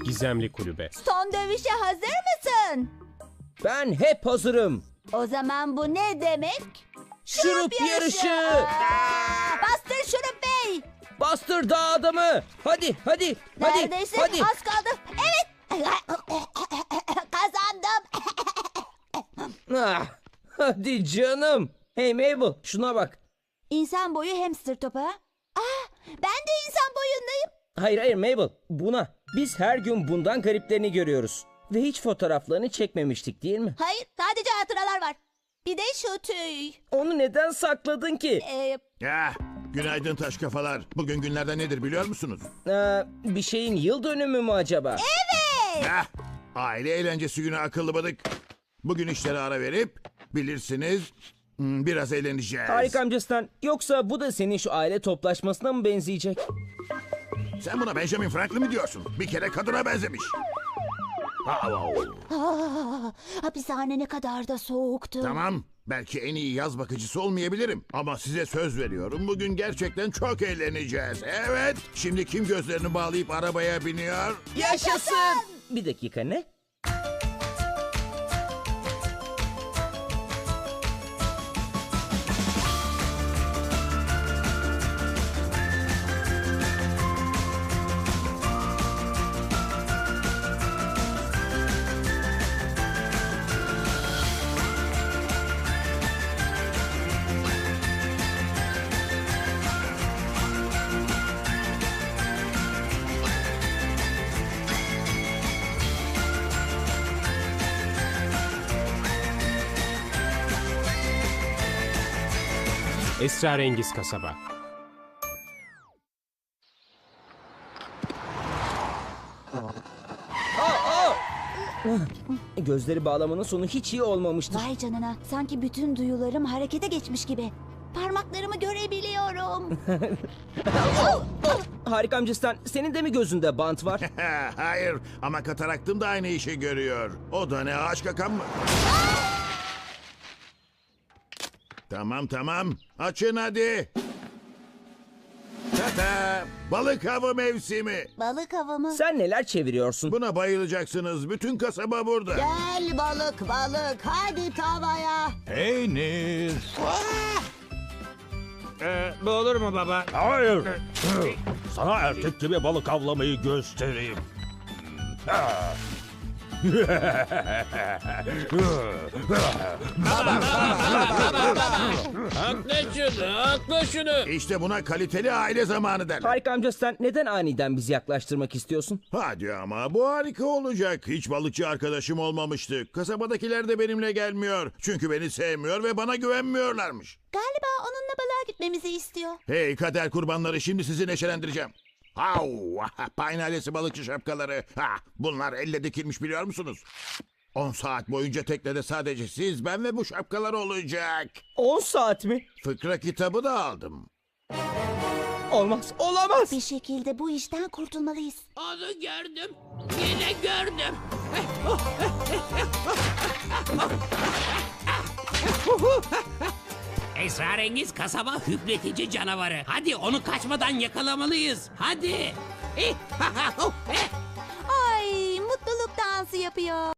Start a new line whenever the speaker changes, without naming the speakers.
Gizemli Kulübe.
Son dövüşe hazır mısın?
Ben hep hazırım.
O zaman bu ne demek?
Şurup yarışı.
Bastır Şurup Bey.
Bastır dağ adamı. Hadi.
Neredeyse
Hadi.
az kaldı. Evet. Kazandım.
Ah, hadi canım. Hey Mabel, şuna bak.
İnsan boyu hamster topu ha? Ben de insan boyundayım.
Hayır Mabel, buna. Biz her gün bundan gariplerini görüyoruz. Ve hiç fotoğraflarını çekmemiştik değil mi?
Hayır, sadece hatıralar var. Bir de şu tüy.
Onu neden sakladın ki?
Ya, günaydın taş kafalar. Bugün günlerden nedir biliyor musunuz?
Bir şeyin yıl dönümü mü acaba?
Heh, aile eğlencesi günü akıllı bıdık. Bugün işlere ara verip bilirsiniz biraz eğleneceğiz.
Harika amcasından. Yoksa bu da senin şu aile toplaşmasına mı benzeyecek?
Sen buna Benjamin Franklin mi diyorsun? Bir kere kadına benzemiş.
Hapishane ne kadar da soğuktu.
Tamam, belki en iyi yaz bakıcısı olmayabilirim. Ama size söz veriyorum, bugün gerçekten çok eğleneceğiz. Evet, şimdi kim gözlerini bağlayıp arabaya biniyor?
Yaşasın! Bir dakika, ne?
Esrarengiz Kasaba.
Gözleri bağlamanın sonu hiç iyi olmamıştır.
Vay canına, sanki bütün duyularım harekete geçmiş gibi. Parmaklarımı görebiliyorum.
Harika amcasından, senin de mi gözünde bant var?
Hayır, ama kataraktım da aynı işi görüyor. O da ne, ağaç kakan mı? Tamam, açın hadi. Tata, balık avı mevsimi.
Balık avı mı?
Sen neler çeviriyorsun?
Buna bayılacaksınız, bütün kasaba burada.
Gel balık, hadi tavaya.
Peynir.
Bu olur mu baba?
Hayır. Sana erkek gibi balık avlamayı göstereyim.
Hakla şunu.
İşte buna kaliteli aile zamanı derler.
Harika amcasından, neden aniden bizi yaklaştırmak istiyorsun?
Hadi ama bu harika olacak. Hiç balıkçı arkadaşım olmamıştı. Kasabadakiler de benimle gelmiyor. Çünkü beni sevmiyor ve bana güvenmiyorlarmış.
Galiba onunla balığa gitmemizi istiyor.
Hey kader kurbanları, şimdi sizi neşelendireceğim. Pine ailesi balıkçı şapkaları. Bunlar elle dikilmiş biliyor musunuz? 10 saat boyunca teknede sadece siz, ben ve bu şapkalar olacak.
10 saat mi?
Fıkra kitabı da aldım.
Olmaz, olamaz.
Bir şekilde bu işten kurtulmalıyız.
Onu gördüm. Yine gördüm. Esrarengiz kasaba hüpletici canavarı. Hadi onu kaçmadan yakalamalıyız. Hadi.
Ay, mutluluk dansı yapıyor.